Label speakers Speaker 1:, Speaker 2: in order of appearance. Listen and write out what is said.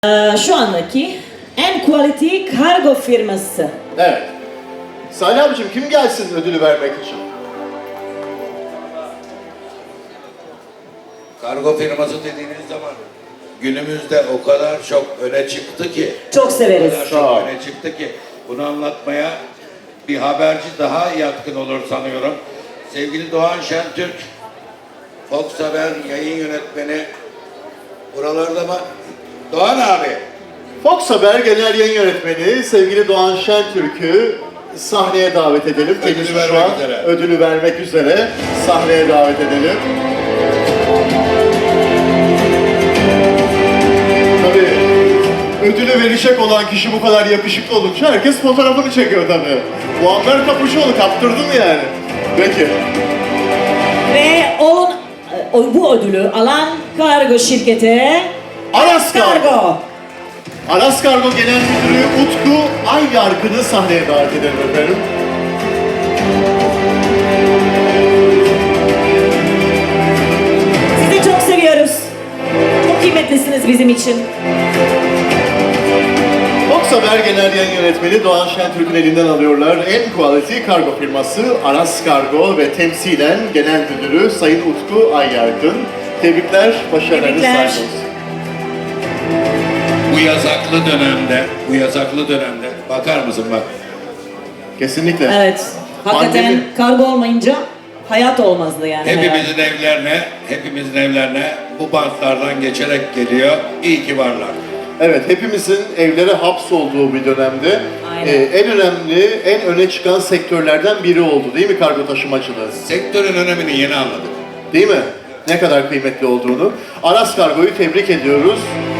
Speaker 1: Şu andaki en quality kargo firması.
Speaker 2: Evet. Salih abicim kim gelsin ödülü vermek için?
Speaker 3: Kargo firması dediğiniz zaman günümüzde o kadar çok öne çıktı ki,
Speaker 1: Çok
Speaker 3: o
Speaker 1: severiz.
Speaker 3: kadar
Speaker 2: Sağ ol.
Speaker 3: çok öne çıktı ki bunu anlatmaya bir haberci daha yatkın olur sanıyorum. Sevgili Doğan Şentürk, Fox Haber yayın yönetmeni buralarda mı? Doğan abi.
Speaker 2: Fox Haber Genel Yayın Yönetmeni sevgili Doğan Şentürk'ü sahneye davet edelim.
Speaker 3: Ödülü
Speaker 2: Kendisi
Speaker 3: vermek
Speaker 2: şu an
Speaker 3: üzere.
Speaker 2: ödülü vermek üzere. Sahneye davet edelim. Tabii ödülü verecek olan kişi bu kadar yakışıklı olunca herkes fotoğrafını çekiyor tabii. Bu anlar kapışıyordu, kaptırdın yani. Peki.
Speaker 1: Ve bu ödülü alan kargo şirketi
Speaker 2: Aras Kargo.
Speaker 1: Kargo.
Speaker 2: Aras Kargo Genel Müdürü Utku Ayyarkın'ı sahneye davet edelim efendim.
Speaker 1: Sizi çok seviyoruz. Çok kıymetlisiniz bizim için.
Speaker 2: Fox Haber Genel Yayın Yönetmeni Doğan Şentürk'ün elinden alıyorlar. En quality kargo firması Aras Kargo ve temsilen Genel Müdürü Sayın Utku Ayyarkın. Tebrikler, başarılarınız
Speaker 1: Tebrikler.
Speaker 2: sağ olsun.
Speaker 3: Bu yasaklı dönemde bakar mısın bak.
Speaker 2: Kesinlikle.
Speaker 1: Evet. Hakikaten
Speaker 2: Pandemi.
Speaker 1: kargo olmayınca hayat olmazdı yani.
Speaker 3: Hepimizin evlerine bu bantlardan geçerek geliyor. İyi ki varlar.
Speaker 2: Evet, hepimizin evlere hapsolduğu bir dönemde
Speaker 1: Aynen.
Speaker 2: en önemli, en öne çıkan sektörlerden biri oldu değil mi kargo taşımacılığı?
Speaker 3: Sektörün önemini yeni anladık.
Speaker 2: Değil mi? Ne kadar kıymetli olduğunu. Aras Kargo'yu tebrik ediyoruz.